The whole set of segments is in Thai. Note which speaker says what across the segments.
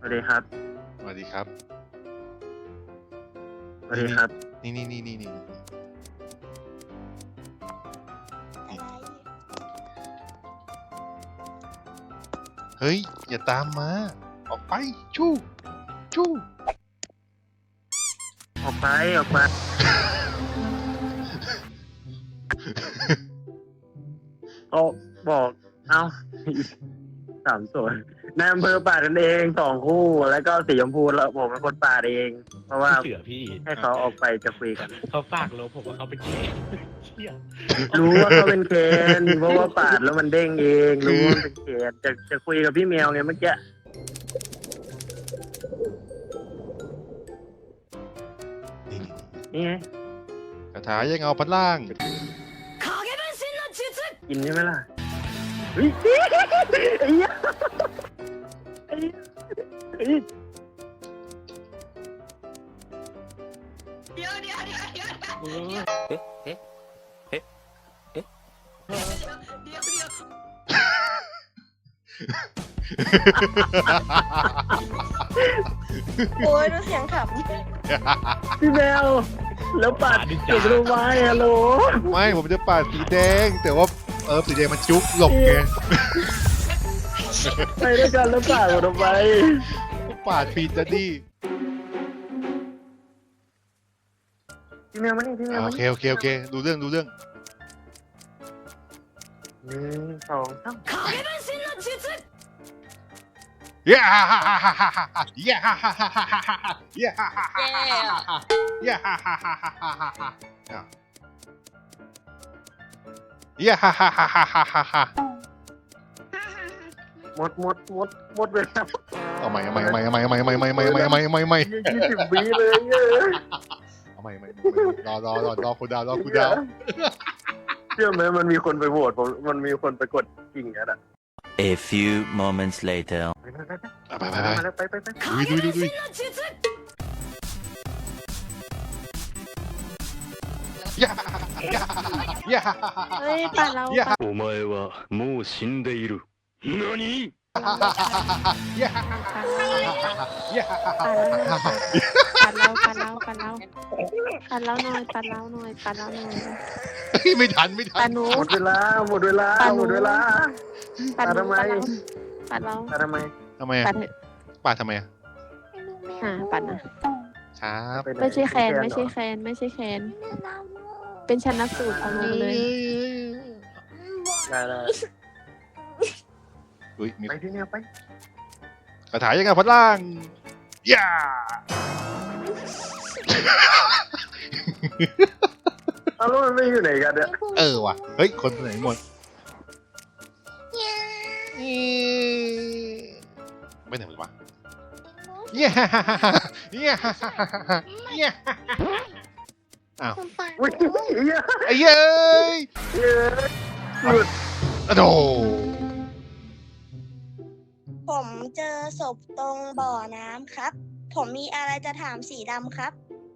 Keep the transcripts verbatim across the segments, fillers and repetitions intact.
Speaker 1: วัสดีครับ
Speaker 2: สวัสดีครับ
Speaker 1: สวัสดีครับ
Speaker 2: นี่นี่นี่นี่นี่เฮ้ยอย่าตามมาออกไปชู้ชู้
Speaker 1: ออกไปออกไปโอ้บอกเอ้าสามส่วนนายอำเภอปาดกันเองสองคู่แล้วก็สีชมพูแล้วผมเป็นคนปาดเอง เพราะว่า
Speaker 3: เชื่อพี่
Speaker 1: ให้เขาออกไปจะคุยกัน
Speaker 3: เขาฝากโลผมว่าเขาเป็นเกย์เชี่ย
Speaker 1: รู้ว่าเขาเป็นเคนเพราะว่าปาดแล้วมันเด้งเองรู้ว่าเป็นเคนจะจะคุยกับพี่แมวไงเมื่อกี้นี่ไง
Speaker 2: คาถายังเอาพันล่าง
Speaker 1: กินใช่ไหมล่ะเฮ้ยไอ้เหี้ยไอ้เหี้ยไอ้เหี้ย
Speaker 4: เดี๋ยวเดี๋ยวเดี๋ยวเดี๋ยวเดี๋ยว
Speaker 3: เอ๊ะเอ๊ะเอ๊ะเอ๊ะ
Speaker 4: เดี๋ยวเดี๋ยว
Speaker 5: โอ้ยดูเสียงข
Speaker 1: พี่แมวแล้วปาดจุดรูไม้ฮัลโหล
Speaker 2: ไม่ผมจะปาดสีแดงแต่ว่าเออสีแดงมันจุ๊บหลบไง
Speaker 1: ไปด้วยกันแล้วปาดหมดไป
Speaker 2: ปาดผิดจะดิ
Speaker 1: พี่แมวมานี่พี่แมว
Speaker 2: โอ
Speaker 1: มา
Speaker 2: เค
Speaker 1: นี่
Speaker 2: โอเคโอเคดูเรื่องดูเรื่อง
Speaker 1: หนึ่งสองสาม
Speaker 2: เย้ฮ่าฮ่าฮ่าฮ่าฮ่าฮ่าเย้ฮ่าฮ่าฮ่าฮ่าฮ่าฮ่าเย้ฮ่าฮ่าฮ่าฮ่าฮ่าเย้ฮ่าฮ่าฮ่าฮ่าฮ่าฮ่าฮ่าเย้ฮ่าฮ่าฮ่าฮ่าฮ่าฮ่าฮ่า
Speaker 1: หมดหมดหมดหมดเวลา
Speaker 2: เอาใหม่เอาใหม่เอาใหม่เอาใหม่เอาใหม่เอาใหม่เอาใหม่เอาใหม่เอาใหม่เอาใหม่เอาใหม่
Speaker 1: ยี่สิบวิเลยเออ
Speaker 2: เอาใหม่เอาใหม่รอรอรอรอคุณดาวรอคุณดาว
Speaker 1: เชื่อไหมมันมีคนไปโหวตผมมันมีคนไปกดจริงอ่ะ
Speaker 6: A few moments later.
Speaker 1: ไปไปไป
Speaker 2: ไปไปไป
Speaker 1: มาแล้วไปไปไป
Speaker 2: ดูดูดูดูย่าย่าย่า
Speaker 5: ำเฮ้ยป่าเรา
Speaker 2: ย่า
Speaker 5: ป่า
Speaker 7: お前はもう死んでいる。何
Speaker 2: ย่าย่า
Speaker 5: ป่าเราป่าเราป่าเราป่าเราหน่อยป่าเราหน่อยป่าเราหน่อย
Speaker 2: ไม่ทันไม่ทั
Speaker 5: ป่าน หนู
Speaker 1: หมดเวลาหมดเวลาหมดเวลา
Speaker 5: ป่าหนู
Speaker 1: ทำไม
Speaker 5: ป่าเรา
Speaker 1: มาทำไม
Speaker 2: ทำไม
Speaker 5: ป่า
Speaker 2: อ่ะ
Speaker 5: เถอะ
Speaker 2: ปาดทำไมอ่ะ
Speaker 5: อ่าป่านะ
Speaker 2: ครับ
Speaker 1: ปหน
Speaker 5: ไม่ใช่แคนไม่ใช่แคนไม่ใช่แคนเป็นชันนักสูตรเอาลงเลย
Speaker 1: ได้ได้
Speaker 2: อุ้ยมี
Speaker 1: ไปที่เนี่ยไป
Speaker 2: กระถายยังไงพัดล่างย่า
Speaker 1: เอาแล้วมันไม่อยู่ไหนกันเนี่ย
Speaker 2: เออว่ะเฮ้ยคนไหนหมดไม่ไหนหมดวะเย้เย้เย้อ้าว
Speaker 1: อุ้ยเหี้ย
Speaker 2: ไอ้เย้ย
Speaker 1: เหี้ยหลุด
Speaker 2: อะโด
Speaker 5: ผมเจอศพตรงบ่อน้ำครับ ผมมีอะไรจะถามสีดำครับ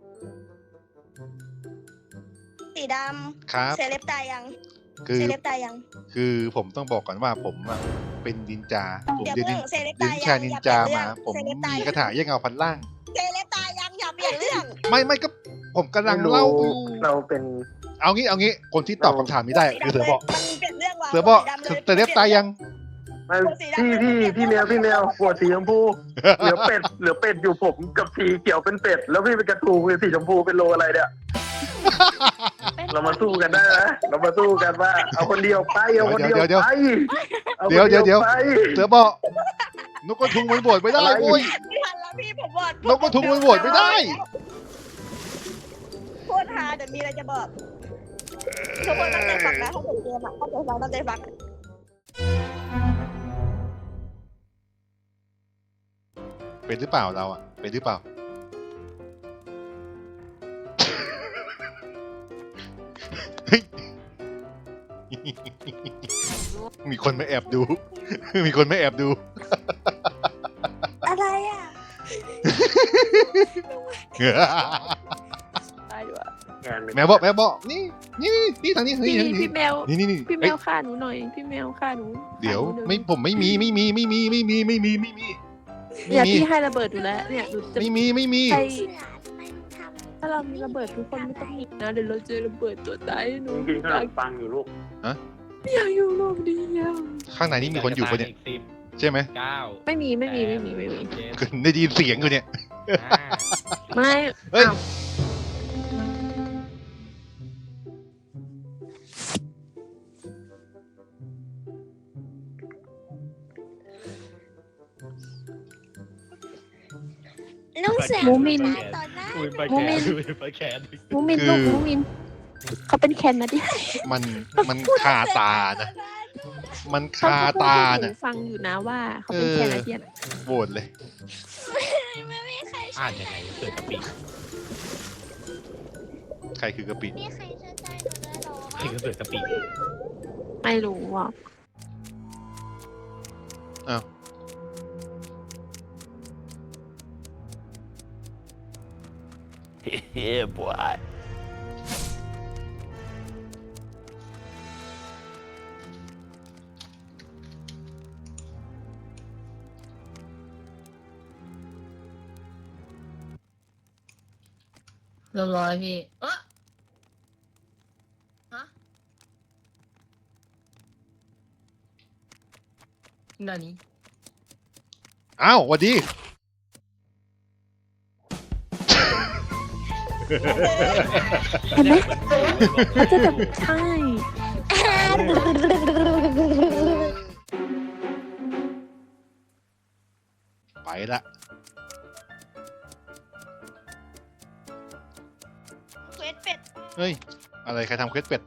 Speaker 5: สีด
Speaker 2: ครับ
Speaker 5: ำเซเลบตายยัง
Speaker 2: คือ
Speaker 5: เซเลบตายยัง
Speaker 2: คือผมต้องบอกก่อนว่าผมอะเป็นนินจาผม
Speaker 5: เดี๋ยว
Speaker 2: เรียน
Speaker 5: เพิ่งเซเลบ
Speaker 2: เรีย
Speaker 5: ตาน ย
Speaker 2: วิ
Speaker 5: ยั
Speaker 2: ชาง นินจามาผม
Speaker 5: เซเลบตาย
Speaker 2: มีกระถายยังเงาพันล่าง
Speaker 5: เซเลบตายยังอย่าเปลี่ยนเรื่อง
Speaker 2: ไม่ไม่ก็ผมกำลังเล่าอยู่
Speaker 1: เราเป็น
Speaker 2: เอางี้เอางี้คนที่ตอบคำถามนี้ได้คือเสือบอก
Speaker 5: มันเปลี่ยนเรื่องว่ะ
Speaker 2: เสือบอก
Speaker 5: สีดำลย
Speaker 2: แต่เล็บตายยัง
Speaker 1: ไม่พี่พี่พี่แมวพี่แมวปวดสีชมพูเหลือเป็ดเหลือเป็ดอยู่ผมกับสีเขียวเป็นเป็ดแล้วพี่เป็นกระทูเป็นสีชมพูเป็นโลอะไรเนี่ยเรามาสู้กันได้ไหมเรามาสู้กันว่าเอาคนเดียวไปเอาคนเดียวไปอาคน
Speaker 2: เดี๋ยวเดี๋ยวเดี๋ยว
Speaker 1: ไป
Speaker 2: เสือบอกนกกระทุงมันโหวตไม่ได้โว้ย
Speaker 5: ไม่ทันแล้วพี่ผมบอก
Speaker 2: นกกระทุงมันโหวตไม่ได้
Speaker 5: โคตรฮาเดี๋ยวมีอะไรจะบอกทุกคนตั้งใจฟังนะถ้าผมเกมอ่ะตั้งใจฟังตั้งใจฟัง
Speaker 2: เป็นหรือเปล่าเราอ่ะเป็นหรือเปล่าเฮ้ยมีคนมาแอบดู มีคนมาแอบดู
Speaker 5: อะไรอ่ะตายด้วย
Speaker 2: แม่บอกแม่บอกนี่นี่นี่ทางนี้นี่
Speaker 5: พี่
Speaker 2: นี่
Speaker 5: พี่แมว
Speaker 2: นี่นี่นี่
Speaker 5: พี่แม
Speaker 2: เอ้ยว
Speaker 5: ฆ่าหนูหน่อย พี่แมวฆ่าหนู
Speaker 2: เดี๋ยว
Speaker 5: ฆ่าหนูหน่อ
Speaker 2: ไม่ผมไม่มีไม่มีไม่มีไม่มีไม่มีไม่มี
Speaker 8: เนี่ยพี่ให้ระเบิดอยู่แล้วเนี่ยหนูจะ
Speaker 2: ไม่มีไม่มี
Speaker 8: ใครถ้าเรามีระเบิดทุกคนไม่ต้องหนีนะเดี๋ยวเราเจอระเบิดตัวตายหนู
Speaker 1: กินขนมปังอยู่ลูก
Speaker 8: ไม่อยากอยู่โลกนี้แล้ว
Speaker 2: ข้างในนี่มีคนอยู่ปะเนี่ย
Speaker 3: สิบ
Speaker 2: ใช่ไหม
Speaker 3: เก้า
Speaker 8: ไม่มีไม่มีไม่มีไม่มี
Speaker 3: เจ็ด
Speaker 2: ได้ยินเสียงอยู่เนี่ย
Speaker 3: ห้า
Speaker 8: ไม่
Speaker 2: เฮ้ย
Speaker 8: อ้าว
Speaker 5: ลุงเสือ
Speaker 8: มูมิน
Speaker 5: ต่อหน้า
Speaker 3: อุ้ยไป
Speaker 8: มู
Speaker 3: แข
Speaker 8: มิ
Speaker 3: น
Speaker 8: น
Speaker 3: อุ้ยไปแขน
Speaker 8: มูมินลูกมูมินเขาเป็นแคนนะดิ
Speaker 2: มันมันคาตานะ มันคาตา
Speaker 8: หนู
Speaker 2: นะ
Speaker 8: ฟังอยู่นะว่าเขาเป็นแคนาเดียน
Speaker 2: โหวตเลย
Speaker 5: ไม่มีใคร
Speaker 3: อ่านยังไงเกิดกะปิ
Speaker 2: ใครคือกะปิ
Speaker 5: มีใครเชื่อใจหนูได้หรอ
Speaker 3: ใครก็เกิดกะปิ
Speaker 8: ไม่รู้อ่ะ
Speaker 2: อ้าว
Speaker 6: Yeah, boy.
Speaker 4: เรียบร้อยพี่ เออฮะนานี้
Speaker 2: อ้าวสวัสดี
Speaker 8: เห็นไหมเขาจะแบบใช่
Speaker 2: ไปละ
Speaker 5: เควสเป็ด
Speaker 2: เฮ้ย อะไรใครทำเควสเป็ด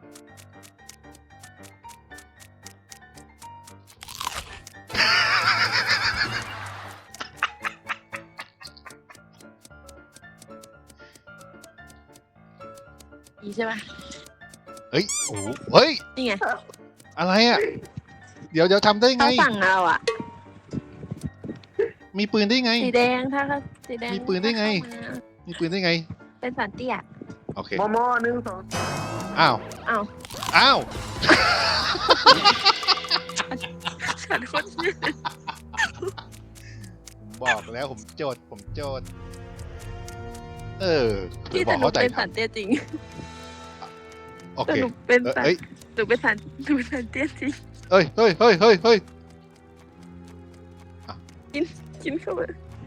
Speaker 8: ดีใช่ไหม
Speaker 2: เฮ้ย โอ้โหเฮ้ย
Speaker 8: นี่ไง
Speaker 2: อะไรอ่ะ เดี๋ยวเดี๋ยวทำได้ไง
Speaker 8: เขาสั่งเอาอ่ะ
Speaker 2: มีปืนได้ไง
Speaker 8: สีแดงถ้าเขาสีแดง
Speaker 2: มีปืนได้ไง
Speaker 8: เข้ามา
Speaker 2: มีปืนได้ไง
Speaker 8: เป็นสันเตี้ย
Speaker 2: โอเค
Speaker 1: มอมอหนึ่งสอง
Speaker 2: อ้าว
Speaker 8: อ้าว
Speaker 2: อ้าว
Speaker 8: ฉันคนชื่อ
Speaker 2: ผมบอกแล้วผมโจทย์ผมโจทย์เออเดี๋
Speaker 8: ที่
Speaker 2: ยวบ
Speaker 8: แต่
Speaker 2: อก
Speaker 8: หนู
Speaker 2: เข้าใจ
Speaker 8: เป็น
Speaker 2: ท
Speaker 8: สันเตี้ยจริง
Speaker 2: ำโอ
Speaker 8: แต่
Speaker 2: เค
Speaker 8: หนูเป็น
Speaker 2: เออ
Speaker 8: สัน
Speaker 2: เอ้ย
Speaker 8: หนูเป็นสันหนูเป็นสันเตี้ยจริง
Speaker 2: เฮ้ยเฮ้ยเฮ้ยเฮ้ยเฮ้ย
Speaker 8: กินเข้ามา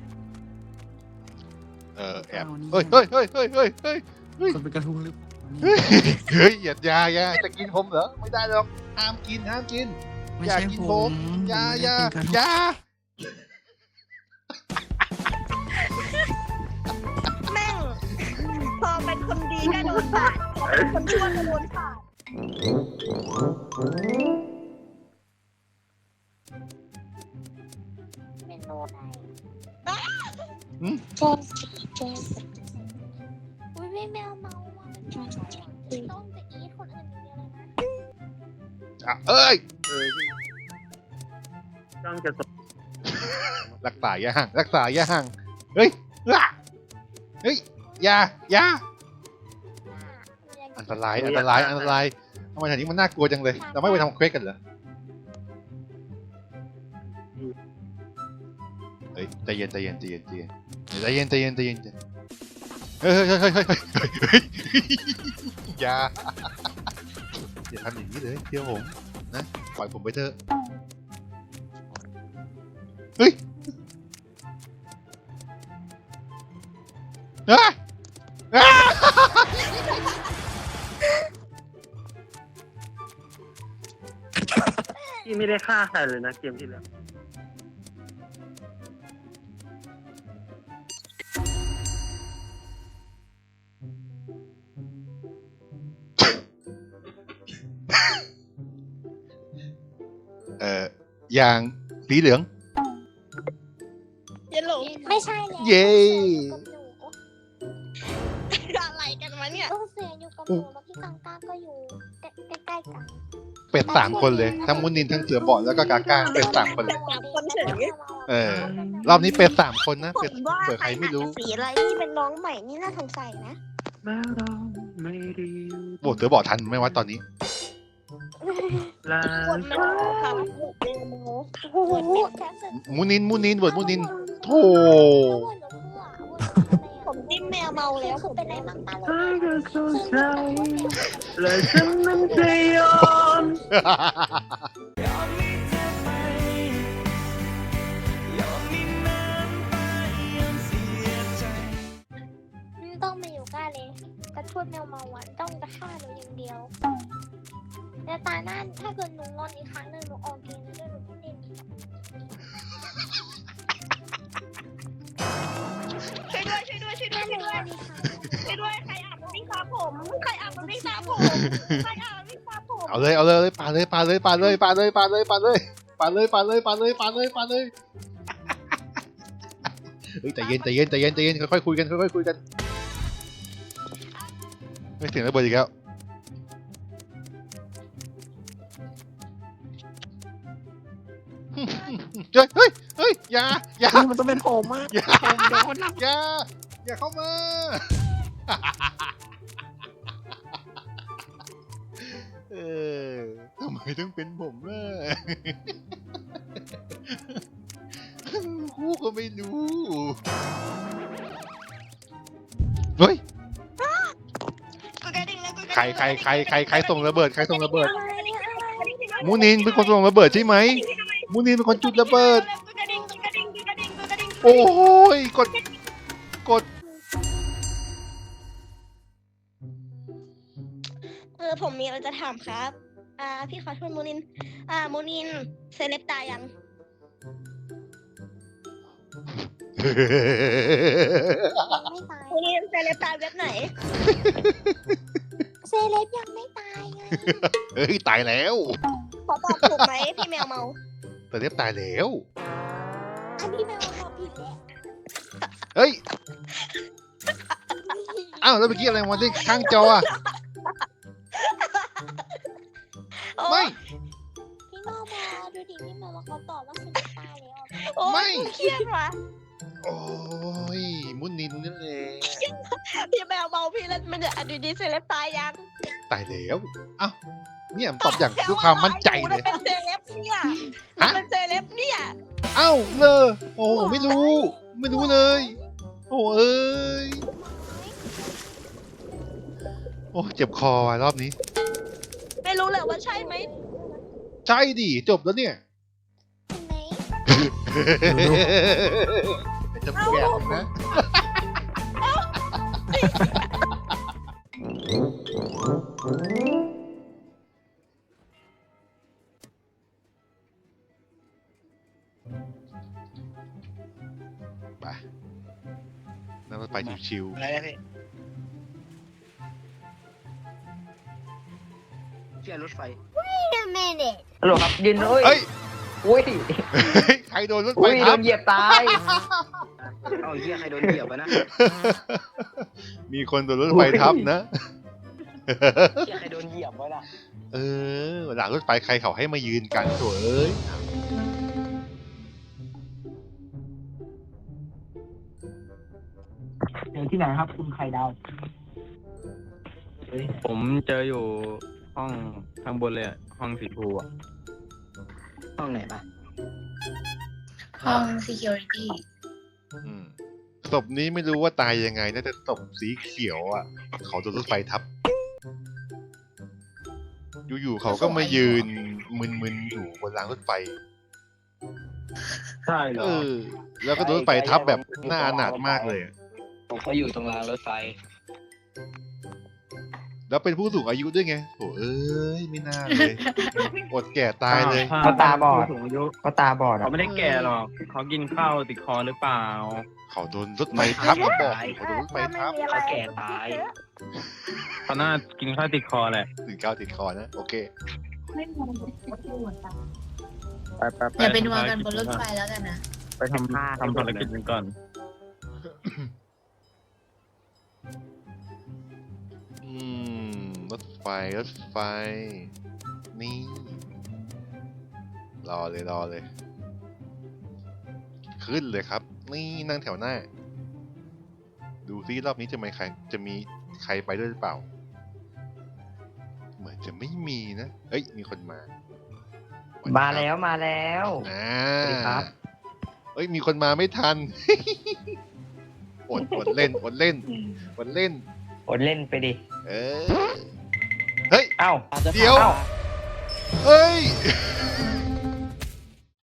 Speaker 2: เออแอบเฮ้ยเฮ้ยเฮ้ยเฮ้ยเฮ้ยเฮ้ย
Speaker 9: คนเป็นกระทุงหรือ
Speaker 2: เฮ้ยเฮ้ยอย่าอย่าอย่าจะกินผมเหรอไม่ได้หรอกห้ามกินห้ามกิน
Speaker 9: ไม่
Speaker 2: อย่า
Speaker 9: ใช่
Speaker 2: กิน
Speaker 9: ผ
Speaker 2: ผม
Speaker 9: ม
Speaker 2: อย่าอย่า
Speaker 9: ไม่ได้เป็นกระทุง
Speaker 2: อย่า
Speaker 5: แม่ง พอเป็นคนดีก็โดนปาดพอเป็นคนชั่วก็โดนปาดเมนูไหน
Speaker 2: หืม
Speaker 5: เจสเจสอุ้ยไม่แมวเมาอ่ะต้องจะอีทคนอื่นอย่างเดียวเลยนะ
Speaker 2: อ่ะเอ้ย
Speaker 1: เออจ้องจะส
Speaker 2: รักษาย่างรักษาย่างเฮ้ยอ่ะเฮ้ยอย่าอย่าอันตรายอันตรายอันตรายทำไมแถวนี้มันน่ากลัวจังเลย เราไม่ไปทำเควสกันเหรอเฮ้ยใจเย็นใจเย็นใจเย็นใจเย็นใจเย็นใจเย็นใจเย็นเฮ้ยเฮ้ยเฮ้ยเฮ้ยเฮ้ยเฮ้ยอย่าอย่าทำอย่างนี้เลยเชื่อผมนะปล่อยผมไปเถอะเฮ้ยอ่ะอ่ะ
Speaker 1: พี่ไม่ได้ฆ่าใครเลยนะเกมที่แล้ว
Speaker 2: เอ่อยางสีเหลือง
Speaker 5: เยลโลไม่ใช่แล้ว
Speaker 2: เย้
Speaker 5: อะไรกันวะเนี่ยลูกเสืออยู่กับหนูแล้วพี่กังก้าก็อยู่ใกล้ๆกัน
Speaker 2: เป็ดสามคนเลยทั้งมุนินทั้งเสือบอดแล้วก็กาก้าเป็ดสามคนเลย
Speaker 5: สามคนเฉย
Speaker 2: เออรอบนี้เป็ดสามคนนะ
Speaker 5: ผ
Speaker 2: เป็ด
Speaker 5: มว่า
Speaker 2: เผื่อใครไม่รู้
Speaker 5: สีอะไรนี่เป็นน้องใหม่นี่น่าสงสัยนะ
Speaker 1: แม้เราไม่ดี
Speaker 2: โบดเสือบอดทันไหม่ว่าตอนนี้
Speaker 5: น
Speaker 1: ลา
Speaker 5: ปวดมันค่ะปวดเร็วโมโอ้โหแค่สึก
Speaker 2: มูนินมูนินบทมูนินโธ่
Speaker 5: ผมจิ้มแมวเมาแล้วผมเป็นอะไรมากตา
Speaker 1: เธอ
Speaker 5: เลย
Speaker 1: ก็เข้าใจและฉันนั้นจะยอม
Speaker 5: ไม่ต้องมาอยู่ใกล้เลยกระชวดแมวเมาหวานต้องจะฆ่าหนูอย่างเดียวแต่ตาหน้าถ้าเกิดหนูงอนอีกครั้งหนึ่งหนูออกเกมแล้วหนูไม่เล่น
Speaker 4: ช่วยด้วยช่วยด้วยช่วยด้วย
Speaker 5: ถ้าห
Speaker 4: ช่
Speaker 5: นู
Speaker 4: วย
Speaker 5: ง
Speaker 4: ด้
Speaker 5: อ
Speaker 4: วย
Speaker 5: นอีกครั้ง
Speaker 4: ช่วยด้วยใครอาบน้ำวิ่งตามผมใครอาบน้ำวิ่งตามผมใครอาบน้ำวิ่งตามผม
Speaker 2: เอาเลยเอาเลยปาเลยปาเลยปาเลยปาเลยปาเลยปาเลยปาเลยปาเลยปาเลยปาเลยปาเลยเฮ้ยใจเย็นใจเย็นใจเย็นใจเย็นค่อยๆคุยกันค่อยๆคุยกันไม่เสียงระเบิดอีกแล้วเฮ้ยเฮ้ยเฮ้ยอย่าอย่า
Speaker 8: มันต้องเป็นผมอ่ะ
Speaker 2: อย่า
Speaker 8: ผมโดน
Speaker 2: อย่าอย่าเข้ามาเออทำไมต้องเป็นผมล่ะคู่ก็ไม่รู้เฮ้ย
Speaker 4: กูกระดิ่งแล้วกูกระดิ่ง
Speaker 2: ใครใครใครใครใครส่งระเบิดใครส่งระเบิดมูนินเป็นคนส่งระเบิดใช่ไหมมูนินเป็นคนจุดระเบิด
Speaker 4: กูกระดิ่งกูกระดิ่งกูกระดิ่งกูกระดิ่ง
Speaker 2: โอ้โหยกดกด
Speaker 4: เออผมมีอะไรจะถามครับ อ่าพี่ขอโทษโมนิน อ่าโมนินเซเลบตายยัง
Speaker 5: ไม่ตาย
Speaker 4: โมนินเซเลบตายเว็บไหน
Speaker 5: เซเลบยังไม่ตายไง
Speaker 2: เฮ้ยตายแล้ว
Speaker 4: ขอตอบถูกไหมพี่แมวเมา
Speaker 2: แต่เรียบตายแล้ว
Speaker 5: อันนี้แมวตอบผิดแล้ว
Speaker 2: เฮ้ยอ้าวแล้วเมื่อกี้อะไรมาที่ข้างจออะไม่
Speaker 5: พี่โนบอดูดิพี่โนบอเขาตอบว่าเซเลบตายแล้ว
Speaker 4: โอ้ยเครียดว่ะ
Speaker 2: โอ้ยมุนินนั่นแหละ
Speaker 4: พี่แมวเมาพี่แล้วมันจะอดีดีเซเลบตายยัง
Speaker 2: ตายแล้วอ้าวเนี่ยตอบอย่างด้วยความมั่นใจเลย
Speaker 4: เป็นเซเลบเนี่ย
Speaker 2: ฮะ
Speaker 4: เป็นเซเลบเนี่ย
Speaker 2: เอ้าเลยโอ้ไม่รู้ ไม่รู้เลย โอ้เอ้ยโอ้เจ็บคอว่ะรอบนี้
Speaker 4: ไม่รู้เลยว่าใช่ไหม
Speaker 2: ใช่ดิจบแล้วเนี่ย
Speaker 5: เห็นไหม
Speaker 2: จะแก่นะไปนั่งรถไฟชิว
Speaker 9: อะไรนะพี่เชื่อรถไฟ
Speaker 5: Wait a minute
Speaker 1: ฮัลโหลครับยืนเอ้ย
Speaker 2: ๆเฮ้ย
Speaker 1: อุ้ย
Speaker 2: ใครโดนรถไฟ
Speaker 1: อุ้ยโด
Speaker 2: ทับ
Speaker 1: นเหยียบตาย
Speaker 9: เอาเหี้ยใครโดนเหยียบอะนะ
Speaker 2: มีคนโดนรถไฟทับนะ
Speaker 9: เหี้ยใครโดนเหยียบไว้ล่ะ
Speaker 2: เออหลังรถไฟใครเขาให้มายืนกันโถ่เอ้ย
Speaker 9: เจอที่ไหนครับคุณไข่ดาว
Speaker 3: ผมเจออยู่ห้องข้างบนเลยอะห้องสีชมพูอะ
Speaker 9: ห้องไหนปะ
Speaker 4: ห้อง security
Speaker 2: อืมศพนี้ไม่รู้ว่าตายยังไงนะแต่ศพสีเขียวอ่ะเขาโดนรถไฟทับ อยู่ๆเขาก็มายืนมึนๆอยู่บนรางรถไฟ
Speaker 9: ใช่เหร
Speaker 2: เอ
Speaker 9: อ
Speaker 2: อ แล้วก็โดนรถไฟทับแบบหน้าอนาถมากเลยอะ
Speaker 9: ผมก็อยู่ตรงรางรถไฟ
Speaker 2: แล้วเป็นผู้สูงอายุด้วยไงโถ่เอ้ยไม่น่าเลยอดแก่ตายเลย
Speaker 9: เขาตาบอด
Speaker 3: สูงอายุ
Speaker 9: เขาตาบอด
Speaker 3: เขาไม่ได้แก่หรอกเขากินข้าวติดคอหรือเปล่า
Speaker 2: เขาโดนรถไฟทับมาบอกเขาโดนรถไฟทับ
Speaker 9: เขาแก่ตาย
Speaker 3: เขาน่ากินข้าวติดคอแหละ
Speaker 2: ถึงก้าวติดคอนะโอเค
Speaker 3: ไปไปไป
Speaker 4: อย่าไปนัวกันบนรถไฟแล้วกันนะ
Speaker 3: ไปทำทำภารกิจกันก่อน
Speaker 2: อืมรถไฟรถไฟ นี่ รอเลยรอเลย ขึ้นเลยครับ นี่นั่งแถวหน้า ดูซิรอบนี้จะมีใครจะมีใครไปด้วยหรือเปล่า เหเหมือนจะไม่มีนะเอ้ยมีคนมา
Speaker 9: มาแล้วมาแล้ว
Speaker 2: อ่า
Speaker 9: สวัสดีครับ
Speaker 2: เอ้ยมีคนมาไม่ทัน อดอดเล่นอดเล่นอดเล่น
Speaker 9: อดเล่นไปดิ
Speaker 2: เออเฮ้ย
Speaker 9: เอ้า
Speaker 2: เดี๋ยว เฮ้ย